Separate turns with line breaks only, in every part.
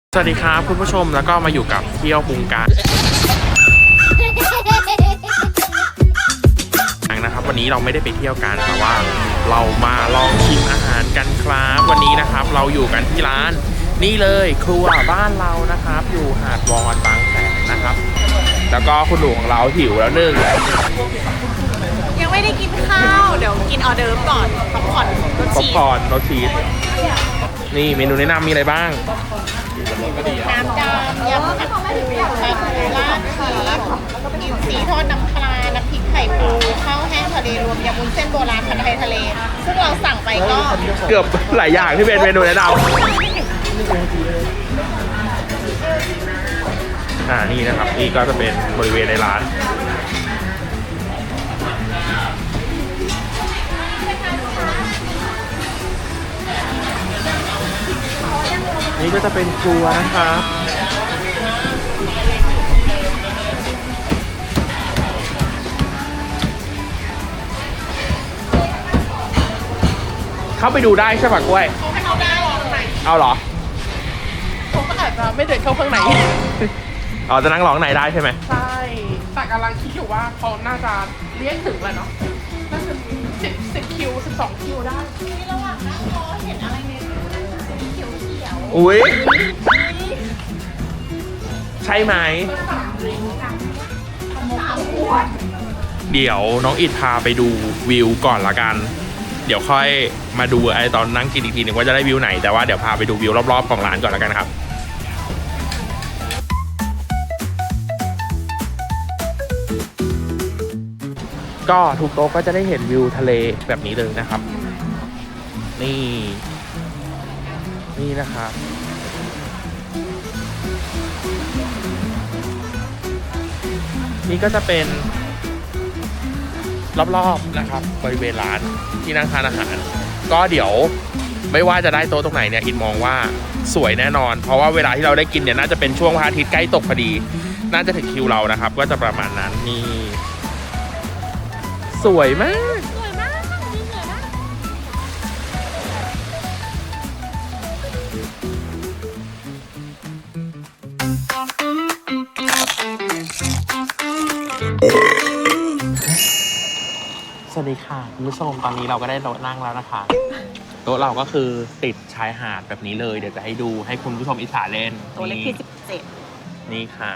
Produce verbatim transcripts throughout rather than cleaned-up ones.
สวัสดีครับคุณผู้ชมแล้วก็มาอยู่กับเที่ยวปรุงการนะครับวันนี้เราไม่ได้ไปเที่ยวกันแต่ว่าเรามาลองชิมอาหารกันครับวันนี้นะครับเราอยู่กันที่ร้านนี่เลยครัวบ้านเรานะครับอยู่หาดวอนบางแสนนะครับแล้วก็คุณหนูของเราหิวแล้วหนึ่ง
ยังไม่ได้กินข้าวเดี๋ยวกินออเดิร์ฟก่อนป๊อปคอร์นรส
ป๊อป
ชีส
คอร์นรสชีสนี่เมนูแนะนำมีอะไรบ้าง
น้ำดำยำผัดปูปลาทูราดชีสอินทรีทอดน้ำปลาน้ำพริกไข่ปูข้าวแห้งทะเลรวมยำวุ้นเส้นโบราณผัดไทยทะเลซึ่งเราสั่งไปก็
เกือบหลายอย่างที่เป็นเมนูแนะนำอ่านี่นะครับนี่ก็จะเป็นบริเวณในร้านนี่ก็จะเป็นครัวนะครับเข้าไปดูได้ใช่ปะกล้วย
เขาได้หรอข้างใน
เอาเหรอ
เขาก็อาจจะไม่เดินเข้าข้างใน
อ๋อจะนั่งร้องไหนได้ใช่ไหม
ใช่แต่กำลังคิดอยู่ว่าเขาน่าจะเลี้ยงถึงแล้วเนาะน่าจะสิบสิบคิวสิบสองคิวได้ที่ระหว่างนั่งรอเห็นอะไรเนี่ยเขียวเขียว
อุ้ยใช่ไหมเดี๋ยวน้องอิดพาไปดูวิวก่อนละกันเดี๋ยวค่อยมาดูไอ้ตอนนั่งกินอีกทีหนึ่งว่าจะได้วิวไหนแต่ว่าเดี๋ยวพาไปดูวิวรอบๆของร้านก่อนละกันครับก็ทุกโต๊ะก็จะได้เห็นวิวทะเลแบบนี้เลยนะครับนี่นี่นะครับนี่ก็จะเป็นรอบๆนะครับบริเวณร้านที่นั่งทานอาหารก็เดี๋ยวไม่ว่าจะได้โต๊ะตรงไหนเนี่ยอินมองว่าสวยแน่นอนเพราะว่าเวลาที่เราได้กินเนี่ยน่าจะเป็นช่วงพระอาทิตย์ใกล้ตกพอดีน่าจะถึงคิวเรานะครับก็จะประมาณนั้นนี่สวยมาก
สวยมากสวยมาก
สวัสดีค่ะคุณผู้ชมตอนนี้เราก็ได้โต๊ะนั่งแล้วนะคะโต๊ะเราก็คือติดชายหาดแบบนี้เลยเดี๋ยวจะให้ดูให้คุณผู้ชมอิจฉาเล่น
ตัวเลขที่สิบเจ็ด
นี่ค่ะ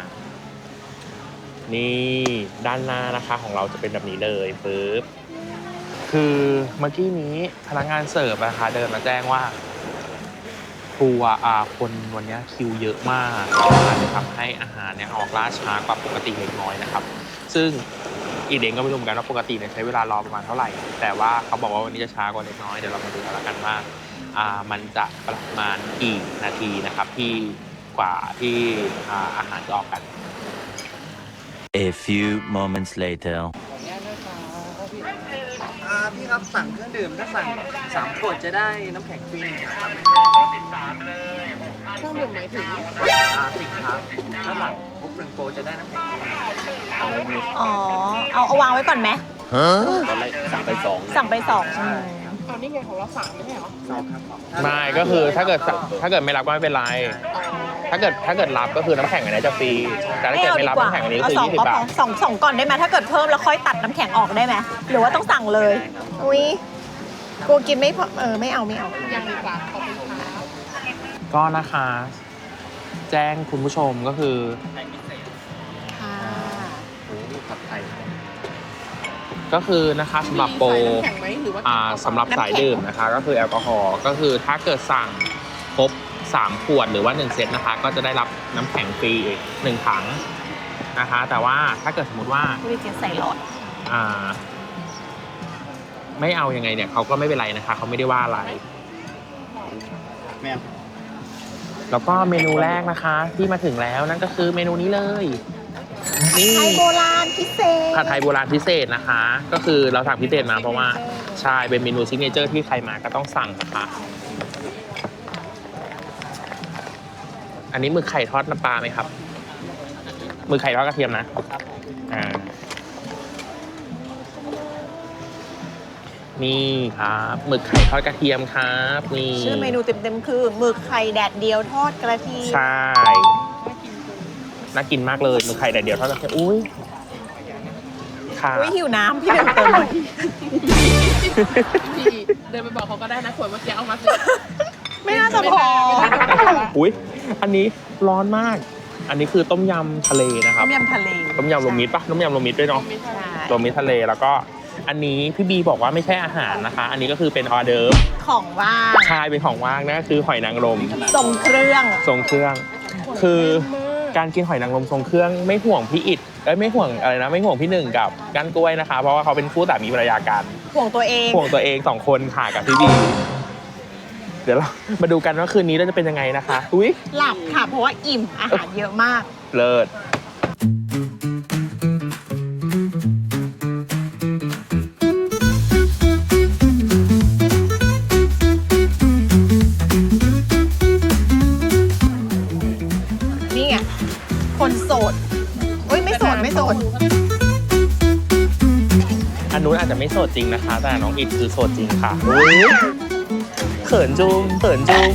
นี่ด้านหน้านะคะของเราจะเป็นแบบนี้เลยปึ๊บคือเมื่อกี้นี้พนักงานเสิร์ฟนะคะเดินมาแจ้งว่าครัวอาคนวันนี้คิวเยอะมากอาจจะทำให้อาหารเนี่ยออกล่าช้ากว่าปกติเล็กน้อยนะครับซึ่งอีเดงก็ไม่รู้เหมือนกันว่าปกติเนี่ยใช้เวลารอประมาณเท่าไหร่แต่ว่าเขาบอกว่าวันนี้จะช้ากว่าเล็กน้อยเดี๋ยวเรามาดูกันแล้วกันว่าอ่ามันจะประมาณกี่นาทีนะครับที่กว่าที่อ่าอาหารจะออกกัน
A few moments later
อ่าพี่ครับสั่งเครื่องดื่มถ้าสั่งสามขวดจะได้น้ำแข็งฟรีครับ
เครื่องดื่มหมายถึง
อ่าสิครับถ้าหลังปุ๊บหนึ่งโปรจะได้น้ำแข็งฟรี
อ๋อเอาเอาวางไว้ก่อนไหม
ตอนแรกสั่งไปสอง
สั่งไปสองใช่
เอานี่ไงของเราสั่งไม่ใช่เหรอสองครับ
ไม่ก็คือถ้าเกิดถ้าเกิดไม่รับก็ไม่เป็นไรถ้าเกิดถ้าเกิดรับก็คือน้ำแข็งอันนี้จะฟรีแต่ถ้าเกิดไม่รับน้ำแข็งอันนี้ก็คือยี่สิบบาท
สองสองก่อนได้ไหมถ้าเกิดเพิ่มแล้วค่อยตัดน้ำแข็งออกได้ไหมหรือว่าต้องสั่งเลยอุ้ยกลัวกินไม่พอเออไม่เอาไม่เอายังดีกว่าขอบคุณครับ
ก็นะคะแจ้งคุณผู้ชมก็คือ
ค่ะ
โอ้ผัดไทย
ก็คือนะคะสำหรับโปรอ่าสำหรับสายดื่มนะคะก็คือแอลกอฮอล์ก็คือถ้าเกิดสั่งครบสามขวดหรือว่าหนึ่งเซตนะคะก็จะได้รับน้ำแข็งฟรีอีกหนึ่งถังนะคะแต่ว่าถ้าเกิดสมมติว่า
วิธีใส่หลอด
อ่าไม่เอายังไงเนี่ยเขาก็ไม่เป็นไรนะคะเขาไม่ได้ว่าอะไร
แม่
แล้วก็เมนูแรกนะคะที่มาถึงแล้วนั่นก็คือเมนูนี้เลย
ผัดไทยโบราณพิเศษ
ผัดไทยโบราณพิเศษนะคะก็คือเราสั่งพิเศษมาเพราะว่าใช่เป็นเมนูซิกเนเจอร์ที่ใครมาก็ต้องสั่งนะคะอันนี้หมึกไข่ทอดน้ำปลาไหมครับหมึกไข่ทอดกระเทียมนะอ่านี่ครับหมึกไข่ทอดกระเทียมครับนี่
ชื่อเมนูเต็มๆคือหมึกไข่แดดเดียวทอดกระเทียม
ใช่น่ากินมากเลยหมึกไข่แดดเดียวทอดกระเทียมอุ้ยค่ะ
อุ้ยหิวน้ำพี่เดินเติมหน่อย
พี่เดินไปบอกเขาก็ได้นะขวดเมื่อกี้เอามาสิ
ไม่น่าจะพอ
อุ้ยอันนี้ร้อนมาก อันนี้คือต้มยำทะเลนะครั
ต้
บ
มยำทะเล
ต้มยำรวมมิตรปะต้มยำรวมมิตรด้วยเนาะ
ใช่
รวมมิตรทะเลแล้วก็อันนี้พี่บีบอกว่าไม่ใช่อาหารนะคะ อันนี้ก็คือเป็นออเดิร์ฟ
ของว่าง
ใช่เป็นของว่างนะคือหอยนางรม
ส่งเครื่อง
ทรงเครื่อง คือการกินหอยนางรมทรงเครื่องไม่ห่วงพี่อิดเอ้ยไม่ห่วงอะไรนะไม่ห่วงพี่หนึ่งกับก้านกล้วยนะคะ เพราะว่าเขาเป็นคู่สามีภรรยากัน
ห่วงตัวเอง
ห่วงตัวเองสองคนค่ะกับพี่บีเดี๋ยวเรามาดูกันว่าคืนนี้เราจะเป็นยังไงนะคะอุ้ย
หลับค่ะ เพราะว่าอิ่มอาหารเยอะมาก
เลิศ
นี่ไงคนโสดอุ้ยไม่โสดไม่โสด
อันนู้นอาจจะไม่โสดจริงนะคะ แต่น้องอิดคือโสดจริงค่ะอุ๊ยเขินจุงเขินจุง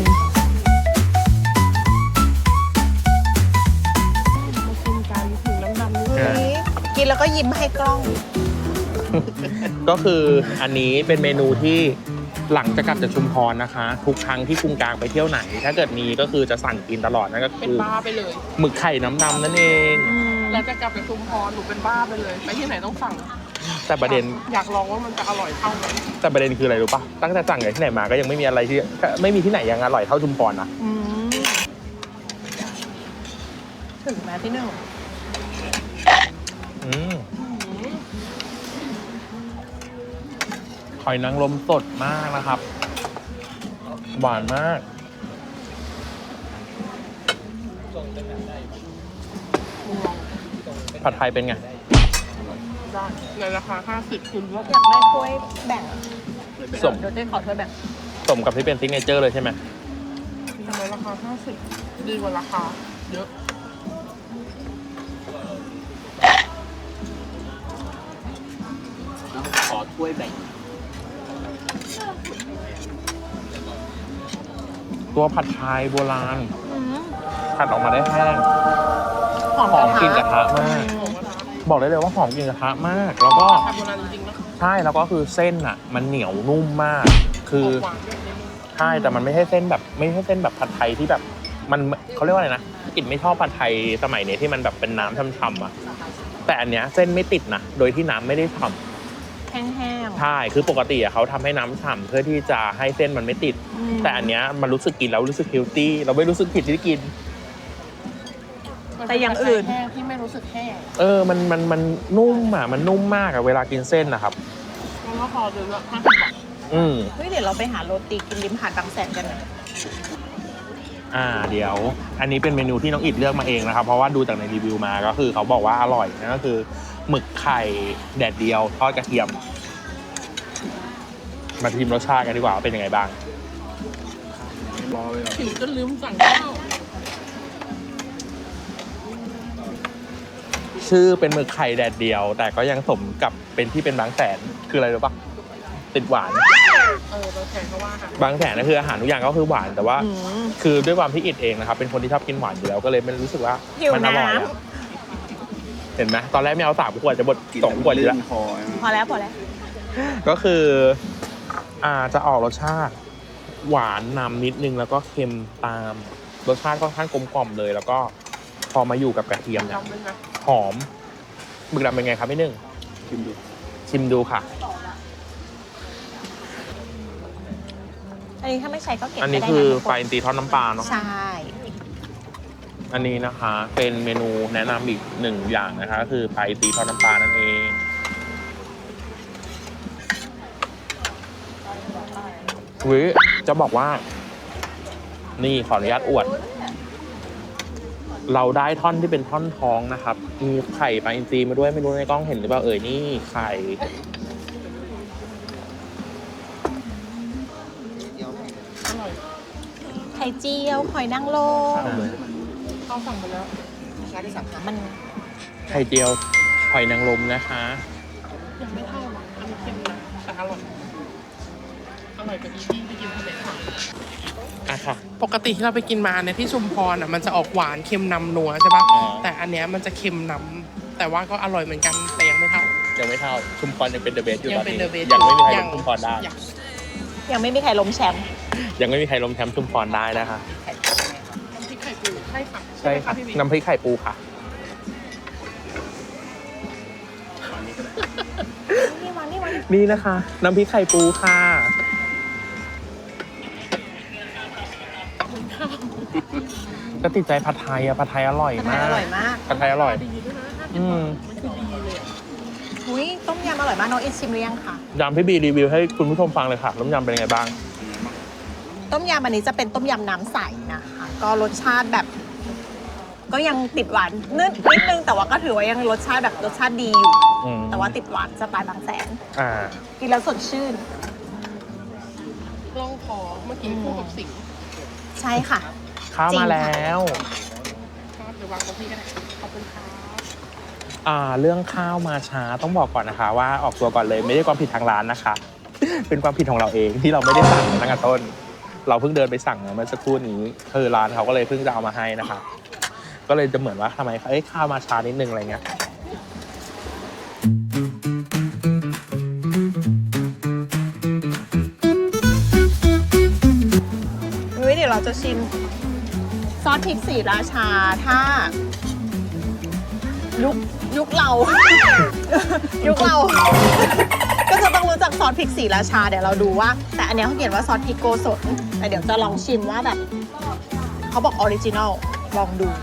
นี่กินแล้วก็ยิ้มให้กล้อง
ก็คืออันนี้เป็นเมนูที่หลังจากกลับจากชุมพรนะคะ ทุกครั้งที่กรุงกลางไปเที่ยวไหน ถ้าเกิดมีก็คือจะสั่งกินตลอดนั่นก็
เป็น
คือ
บ้าไปเลย
หมึกไข่น้ำดำนั่นเอง
แล้วจะกลับไปชุมพรหนูเป็นบ้าไปเลย ไปที่ไหนต้องสั่ง
แต่ประเด็น
อยากลองว่ามันจะอร่อยเท่าไหม
แต่ประเด็นคืออะไรรู้ปะตั้งแต่สั่งจากที่ไหนมาก็ยังไม่มีอะไรที่ไม่มีที่ไหนยังอร่อยเท่าชุมพรนะ
อืมถึงแม้ที่หนึ่ง
อืมหอยนางรมสดมากนะครับ หวานมาก ผัดไทยเป็นไง
ได้ในราคาห้าสิบคุณว่า
อยากได้ถ้วยแบ่ง
สม
เดี๋ยวเจ๊ขอถ้วยแบ่ง
สมกับที่เป็นซิกเนเจอร์เลยใช่ไหม
ทำไมราคาห้าสิบดีกว่าราคาเยอะ
ขอถ้วยแบ่ง
ตัวผัดไทยโบราณ
อืม
ผัดออกมาได้แห้ง
หอม
หอมกลิ่นก
ก
ระ
ระ
ทะ
ทะ
มาก บอกได้เลยว่าหอมกลิ่นกระทะมาก แล้วก็
ทำโบราณจริงๆนะ
ใช่แล้วก็คือเส้นอ่ะ มันเหนียวนุ่มมาก คือ
หวานด้วยนิดนึง
ใช่แต่มันไม่ใช่เส้นแบบ ไม่ใช่เส้นแบบผัดไทยที่แบบ มันเขาเรียกว่าอะไรนะกินไม่ชอบผัดไทยสมัยนี้ที่มันแบบเป็นน้ำช่ำๆอ่ะแต่อันเนี้ยเส้นไม่ติดนะโดยที่น้ำไม่ได้ฉ่ำ
แห้ง
ใช่คือปกติอะเขาทำให้น้ำฉ่ำเพื่อที่จะให้เส้นมันไม่ติด
ๆอืม
แต่อันเนี้ยมันรู้สึกกินแล้วรู้สึกเฮลตี้เราไม่รู้สึกผิดที่กิน
แต่อย่างอื่น
แห้งที่ไม่รู้สึกแห้ง
เออ มัน มัน มันนุ่มอ่ะ มันนุ่มมากอ่ะ เวลากินเส้นนะครับ
มันก็พอเดือนละห้าสิบบาท
อืม
เฮ้ยเดี๋ยวเราไปหาโรตีกินริมหาดบางแสนกันนะ
อ่า เดี๋ยว อันนี้เป็นเมนูที่น้องอิดเลือกมาเองนะครับ เพราะว่าดูจากในรีวิวมาก็คือเขาบอกว่าอร่อยนั่นก็คือหมึกไข่แดดเดียวทอดกระเทียม มาชิมรสชาติกันดีกว่าว่าเป็นยังไงบ้าง
หิวจนลืมสั่งข้าว
ชื่อเป็นหมึกไข่แดดเดียว แต่ก็ยังสมกับเป็นที่เป็นบางแสน คืออะไรรู้ปะติดหวาน
เออเราแข่งเขาว่าค่ะ
บางแสนก็คืออาหารทุกอย่างก็คือหวาน แต่ว่า
อืม
คือด้วยความที่อิดเองนะครับ เป็นคนที่ชอบกินหวานอยู่แล้วก็เลยมันรู้สึกว่า
หิว
มัอร่อย
น้ำ
อะเห็นไหมตอนแรกไม่เอาสามขวดจะบดสองขวดอยู่แล้ว
พอแล้วพอแล้ว
ก็คือ อ่าจะออกรสชาติ หวานนำนิดนึงแล้วก็เค็มตาม รสชาติค่อนข้างกลมกล่อมเลย แล้วก็พอมาอยู่กับกระเทียมเนี่ย
จำได้ไหม
หอมหมึกดำเป็นไงครับพี่หนึ่ง
ชิมดู
ชิมดูค่ะ
อันนี้ถ้าไม่ใช้ก็เก็บ
อันนี้
ไปได้
คือ
นะทุก
ไฟตีทอดน้ำปลาเนาะ
ใช่
อันนี้นะคะ เป็นเมนูแนะนำอีกหนึ่งอย่างนะคะ คือไฟตีทอดน้ำปลานั่นเองวิจะบอกว่า นี่ขออนุญาตอวด เราได้ท่อนที่เป็นท่อนท้องนะครับ มีไข่ปลาอินทรีมาด้วยไม่รู้ในกล้องเห็นหรือเปล่าเอ่ยนี่ไข่
อร่อย
ไข่เจียวหอยนางรม
ข้าวสั่งไปแล้ว
มัน
ไข่เจียวหอยนางรมนะคะ
ยังไม่เท่าหรอกอันนี้เค็มนะแต่อร่อยร่อยกว่าที่ที่กินทะเลค่ะ
อ่ะค่ะ
ปกติที่เราไปกินมาเนี่ยที่ชุมพรอ่ะมันจะออกหวานเค็มนำนัวใช่ปะ
อ๋อ
แต่อันเนี้ยมันจะเค็มนำแต่ว่าก็อร่อยเหมือนกันแต่ยังไม่เท่า
ยังไม่เท่าชุมพรยังเป็นเดอะเบสอยู่
ยั
ตอน
เป็น
นี้
เดอะเบส
ยังไม่มีใครล้มชุมพรได้
ยัง
ยังไม่มีใครล้มแชมป์
ยังไม่มีใครล้มแชมป์ชุมพรได้นะคะ
น้ำพริกไข่ปูใช่ค่ะ
ใช่ค่ะ
พี่บิ๊ก
น้ำพริกไข่ปูค่ะ
นี่วันนี่วัน
นี่นะคะ น้ำพริกไข่ปูค่ะ ก็ติดใจผัดไทยอะผัดไทยอร่อย
ผัดไท
มาย ก
อร่อยมาก
ผัดไทยอร่อย
ดีด้วยนะห้าสิ
อื
บบาท
ม
มันคือดีเลยอะ
อุ้ยต้มยำอร่อยมากน้องอินชิมหรือยังคะ
ยำพี่บีรีวิวให้คุณผู้ชมฟังเลยค่ะน้ำยำเป็นยังไงบ้าง
ต้มยำอันนี้จะเป็นต้มยำน้ำใสนะคะ ก็รสชาติแบบ ก็ยังติดหวานนิดนิดนึงแต่ว่าก็ถือว่ายังรสชาติแบบรสชาติดีอยู่
อืม
แต่ว่าติดหวานสไตล์บางแสน
อ่า
กินแล้วสดชื่น
ล่องคอเมื่อกี้คู่กับสิงห์
ใช่ค่ะ
ข้าว
จริง
มา
ค่ะ
แล้ว
ชอบหรือวางตรงที่กันขอบคุณค่ะ
อ่า เรื่องข้าวมาช้าต้องบอกก่อนนะคะ ว่าออกตัวก่อนเลยไม่ได้ความผิดทางร้านนะคะ เป็นความผิดของเราเองที่เราไม่ได้สั่งตั้งแต่ต้น เราเพิ่งเดินไปสั่งเมื่อสักครู่นี้คือร้านเขาก็เลยเพิ่งจะเอามาให้นะคะ ก็เลยจะเหมือนว่าทำไมเอ้ยข้าวมาช้านิดนึงอะไรเงี้ย
อุ้ยเดี๋ยวเราจะชิมซอสพริกสีราชาถ้า ยุคยุคเรา ยุคเรา ก็จะต้องรู้จักซอสพริกสีราชาเดี๋ยวเราดูว่า แต่อันเนี้ยเขาเขียนว่าซอสพริกโกสดแต่เดี๋ยวจะลองชิมว่าแบบเขาบอกออริจินอลลองดู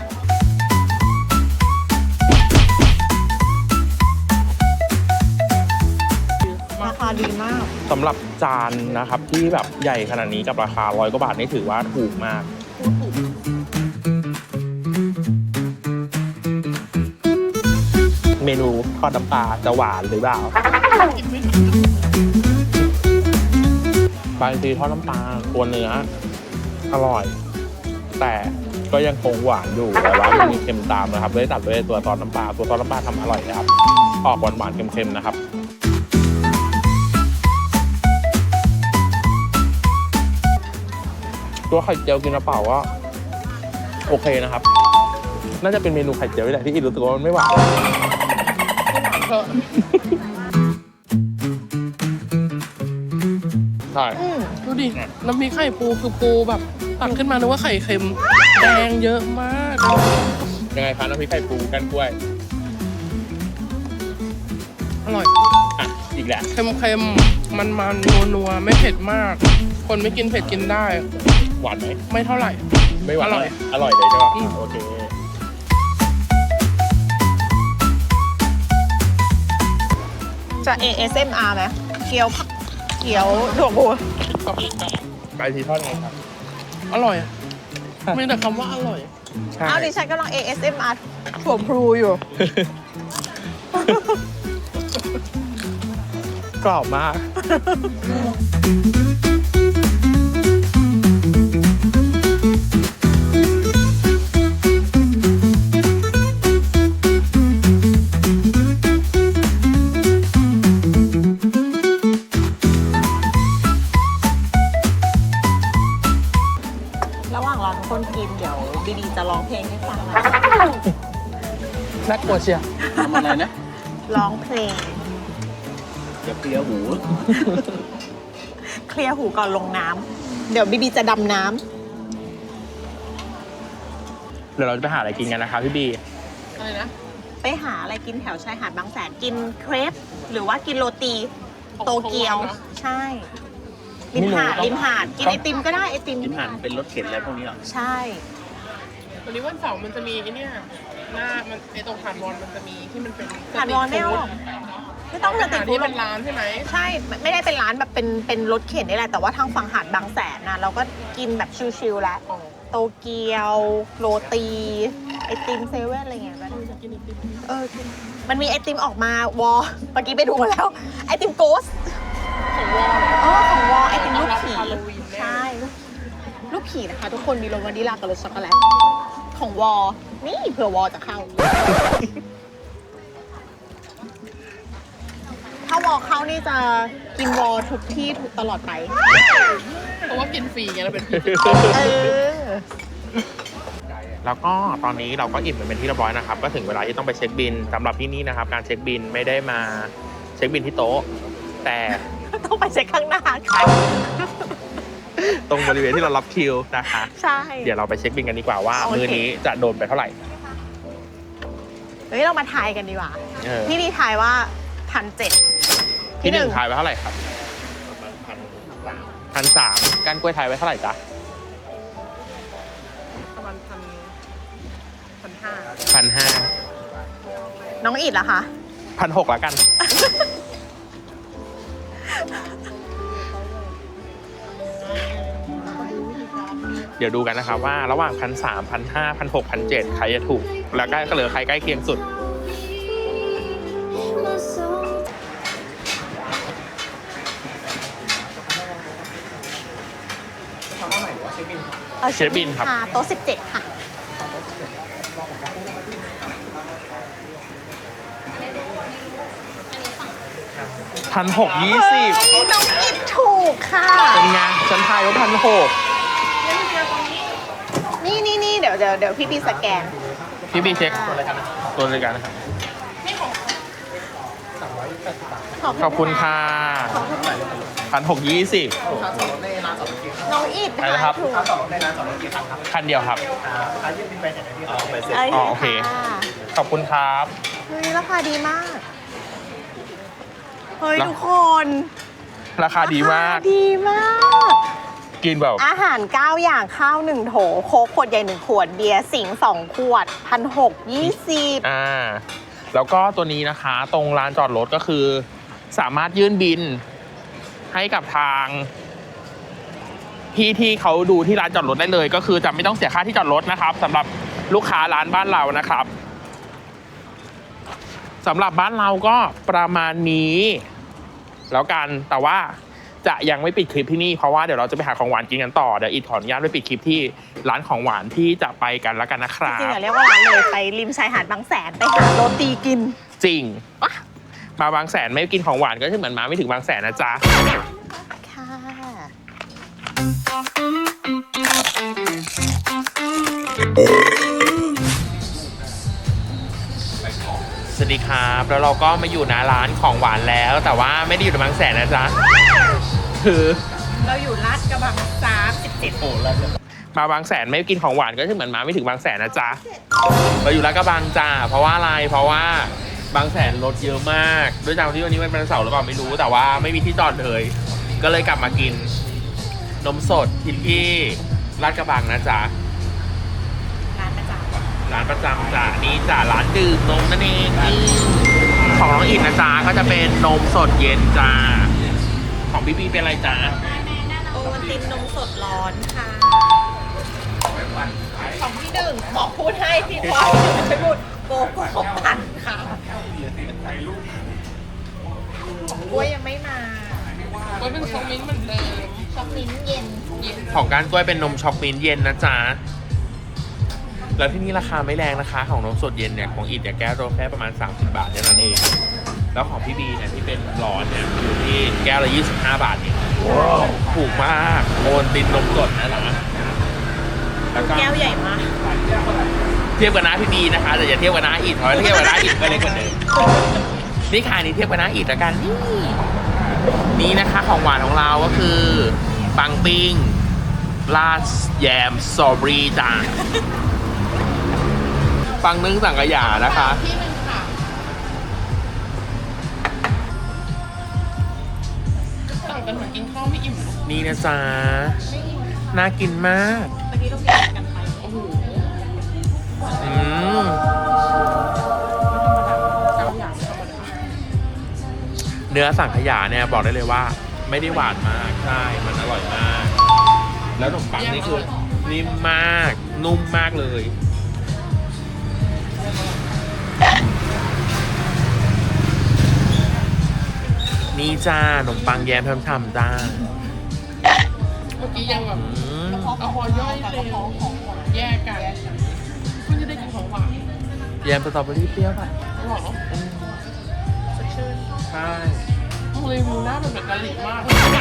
ราคาดีมาก
สำหรับจานนะครับที่แบบใหญ่ขนาดนี้กับราคาร้อยกว่าบาทนี่ถือว่าถูกมาก เมนูทอดน้ำปลาจะหวานหรือเปล่าบางทีทอดน้ำปลาตัวเนื้ออร่อย แต่ก็ยังคงหวานอยู่แต่ว่ามันมีเค็มตามนะครับเลยตัดด้วยตัวซอสน้ำปลาตัวซอสน้ำปลาทำอร่อยนะครับออกหวานหวานๆเค็มๆนะครับ ตัวไข่เจียวกินกระเป๋าก็โอเคนะครับ น่าจะเป็นเมนูไข่เจียวนี่แหละที่อินรู้สึกว่ามันไม่หวาน
เถอะ
ใช่
อืม
ดูดิน้ำพริกไข่ปูคือปูแบบตักขึ้นมานึกว่าไข่เค็มแดงเยอะมาก
ยังไงคะน้ำพริกไข่ปูกันกล้วย
อร่อย
อ่ะอีกแหละ
เค็มๆมันมันนัวนัวๆไม่เผ็ดมาก คนไม่กินเผ็ดกินได้
หวานไหม
ไม่เท่าไหร่
ไม่หวาน
อร่อย
อร่อยเลยใช่ปะ
อืม
โอเค
จะ เอ เอส เอ็ม อาร์ ไหมเกี๊ยวผักเกี๊ยวถั่วบัว
ไปทีทอดไงครับ
อร่อยอะมีแต่คำว่าอร่อย
ใช่
อ้าวดิฉันกำลัง เอ เอส เอ็ม อาร์ ถั่วพลูอยู่
กรอบมาก
ระหว่างรอทุกคนกินเดี๋ยวบีบีจะร้องเพลงให้ฟังนะ
น่ากลัวเชียว
ทำอะไรนะ
ร้องเพลง
อย่าเปรี้ยวหู
เคลียร์หูก่อนลงน้ำเดี๋ยวบีบีจะดำน้
เดี๋ยวเราจะไปหาอะไรกินกันนะคะพี่บี
อะไรนะ
ำไปหาอะไรกินแถวชายหาดบางแสนกินเครปหรือว่ากินโรตีโตเกียว ใช่ริมหาดริมหาดกินไอติมก็ได้ไอติม
กินอาหารเป็นรถเข็นอะไรพวกนี้เหรอ
ใช่
วันนี้วันเสาร์มันจะมีไอเนี่ยหน้ามันไอตรงหาดวอนมันจะมีที่มันเป็น
หาดวอนไม่เอาหรอกไม่ต้อง
ส
มาติ
ถา
ด
น
ฟู
ที่
ด
เป็นร้านใช่ไหม
ใช่ไม่ได้เป็นร้านแบบเป็นเป็นรถเข็นนี่แหละแต่ว่าทางฝั่งหาดบางแสนนะเราก็กินแบบชิลๆแล้ว
อ๋อ
โตเกียว โรตี ไอติมเซเว่นอะไรเงี้ยก็ได้
กินไอติม
เออกินมันมีไอติมออกมาวอเมื่อกี้ไปดูมาแล้ว ไอติมโกส
ของวอล
อ๋อของวอไอติมลูกผี
ฮาโลวีนแน่
ใช่ลูกลูกผีนะคะ ทุกคนมีรสวานิลากับรสช็อกโกแลตของวอนี่เผื่อวอจะเข้าถ้าวอลเข้านี่จะกินวอลทุกที่ทุกตลอดไป
เพราะว่ากินฟรีไงเราเป็น
เออ
แล้วก็ตอนนี้เราก็อิ่มกันเป็นที่เรียบร้อยนะครับ ก็ถึงเวลาที่ต้องไปเช็คบินสำหรับที่นี่นะครับ การเช็คบินไม่ได้มาเช็คบินที่โต๊ะ แต่
ต้องไปเช็คข้างหน้าค่ะ
ตรงบริเวณที่เรารับคิวนะคะ
ใช่
เดี๋ยวเราไปเช็คบินกันดีกว่าว่า
โอเค
มื้อนี้จะโดนไปเท่าไหร่
เฮ้ยเรามาทายกันดีกว่า
เออ
พี่ดีทายว่าพันเจ็ด
ที่หนึ่งทายไว้เท่าไหร่ครับพันสามการกล้วยทายไว้เท่าไหร่จ๊ะ
ประมาณพันพันห้า
พันห้า
น้องอิดล่ะคะ
พันหกแล้วกัน เดี๋ยวดูกันนะครับว่าระหว่างพันสามพันห้าพันหกพันเจ็ดใครจะถูก แล้วก็เหลือใครใกล้เคียงสุด
เอา
เชฟบินครับ
ะโต๊ะสิบเจ็ดค่ะ
พันหกยี่สิบ
เฮ้ยน้องอิดถูกค่ะ
เป็นไงฉันทายว่าพันหก
นี่นี่นี่เดี๋ยวเดี๋ยวเดี๋ยวพี่บีสแกน
พี่บีเช็คตัวเลยครับตัวเลยกันนะครับ ขอบคุณค่ะพันหกยี่สิบ
น้องอิด
อะไรนะครับ
ถูก
คันเดียวครับ
เอ้ย
อ๋อโอเค
ค่ะ
ขอบคุณครับ
เฮ้ยราคาดีมาก เฮ้ย
แล้ว
ทุกคน
ราคาดีมาก
รคดีมาก
กินแบบ
อาหารเก้าอย่างข้าวหนึ่งโถ โค้กขวดใหญ่หนึ่งขวด เบียร์สิงสองขวดพันหกยี่สิบ
อ่า แล้วก็ตัวนี้นะคะ ตรงลานจอดรถก็คือ สามารถยื่นบินให้กับทางพี่ที่เขาดูที่ร้านจอดรถได้เลย ก็คือจะไม่ต้องเสียค่าที่จอดรถนะครับสำหรับลูกค้าร้านบ้านเรานะครับสำหรับบ้านเราก็ประมาณนี้ แล้วกันแต่ว่าจะยังไม่ปิดคลิปที่นี่เพราะว่าเดี๋ยวเราจะไปหาของหวานกินกันต่อเดี๋ยวอีทขออนุญาตไปปิดคลิปที่ร้านของหวานที่จะไปกันแล้วกันนะครั
จริงๆ
บ
อย่าเรียกว่าร้านเลยไปริมชายหาดบางแสนไปหาโรตีกิน
จริงมาบางแสนไม่กินของหวานก็เหมือนมาไม่ถึงบางแสนนะจ๊ะ
ค่ะ
สวัสดีครับแล้วเราก็มาอยู่หน้าร้านของหวานแล้ว แต่ว่าไม่ได้อยู่ในบางแสนนะจ๊ะคือ
เราอยู่ลาดกระบังสามสิบเจ็ด
โอ้แล้ว
มาบางแสนไม่กินของหวานก็เหมือนมาไม่ถึงบางแสนนะจ๊ะเราอยู่ลาดกระบังจ้าเพราะว่าอะไรเพราะว่าบางแสนรถเยอะมากด้วยจากที่วันนี้มันเป็นวันเสาร์หรือเปล่าไม่รู้แต่ว่าไม่มีที่จอดเลยก็เลยกลับมากินนมสดที่ที่ลาดกระบังนะจ๊ะ
ร้านประจำ
ร้านประจำจ้ะนี่จ้ะร้านดื่มนมนั่นเองนี่ของน้องอินนะจ๊ะก็จะเป็นนมสดเย็นจ้าของพี่บีเป็นอะไรจ้า
โอวัลตินนมสดร้อนค่ะ ของพี่หนึ่งบอกพูดให้พี่พอพี่หนึ่งไม่พูดโกโก้ปั่นค่ะกล้วยยังไม่มา
ก็เป็นช็อกมิ้นท์เหมือนเดิม
ช็อกมิ้นท์เย็น
เย็น
ของการกล้วยเป็นนมช็อกมิ้นท์เย็นนะจ๊ะแล้วที่นี่ราคาไม่แรงนะคะของนมสดเย็นเนี่ยของอินเนี่ยแก้วละแค่ประมาณสามสิบบาทเท่านั้นเองแล้วของพี่บีเนี่ยที่เป็นร้อนเนี่ยอยู่ที่แก้วละยี่สิบห้าบาทเองถูกมากโอนตินนมสดนะจ๊ะแล้วก็
แก้วใหญ่มาก
เทียบกับน้าพี่บีนะคะแต่อย่าเทียบกับน้าอิดเพราะถ้าเทียบกับน้าอิดก็เล็กกว่าเดิมนี่ค่ะนี่เทียบกับน้าอิดละกันนี่นี่นะคะของหวานของเราก็คือปังปิ้งราดแยมสตรอเบอรี่จ้าปังนึ่งสังขยานะคะ
ที่หนึ่งค่ะสั่งกันเหมือนกินข้าวไม่อิ่ม
นี่นะจ๊ะน่ากินมาก
เมื่อกี้ต้องแยกกันไป
โอ้โห
อืม
เก้าอย่างธรรมดา
เนื้อสังขยาเนี่ยบอกได้เลยว่า ไม่ได้หวานมากใช่มันอร่อยมาก แล้วขนมปังนี่คือนิ่มมากนุ่มมากเลยนี่จ้าขนมปังแยมทำๆจ้า
เมื่อกี้ยังแบบ
อืม
เอาพอย่อยเลยแยกกันเพิ่งจะได้กินของหวาน
แยมสตรอเบอรี่เปรี้ยวป่ะ
หรอ
อืม
สดชื่น
ใช่
รีวิวหน้าเป็นแบบกะหรี่มาก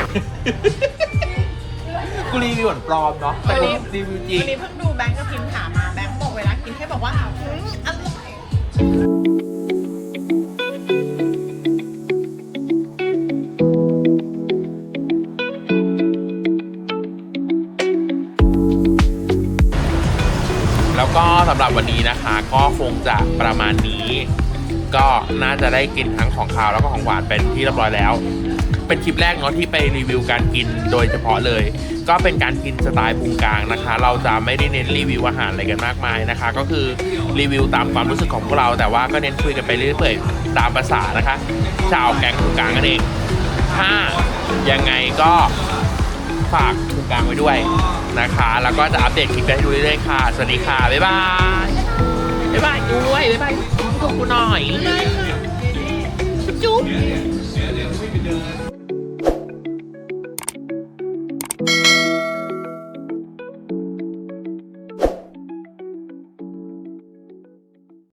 กูรีวิวเหมือนปลอมเนาะแต่กูรีวิวจริง
วันนี้เพิ่งดูแบงค์กับพิมถามมาแบงค์บอกเวลากินแค่บอกว่าอืมอร่อย
แล้วก็สำหรับวันนี้นะคะ ก็คงจะประมาณนี้ ก็น่าจะได้กินทั้งของคาวแล้วก็ของหวานเป็นที่เรียบร้อยแล้ว เป็นคลิปแรกเนาะที่ไปรีวิวการกินโดยเฉพาะเลย ก็เป็นการกินสไตล์พุงกลางนะคะ เราจะไม่ได้เน้นรีวิวอาหารอะไรกันมากมายนะคะ ก็คือรีวิวตามความรู้สึกของพวกเรา แต่ว่าก็เน้นคุยกันไปเรื่อยๆตามภาษานะคะชาวแก๊งพุงกลางนั่นเองถ้ายังไงก็ฝากพุงกลางไว้ด้วยนะคะ แล้วก็จะอัปเดตคลิปให้ดูเรื่อยๆค่ะสวัสดีค่ะบ๊ายบายบ๊ายบายด้วยบ๊ายบายขอบคุณหน่อยจุ๊บ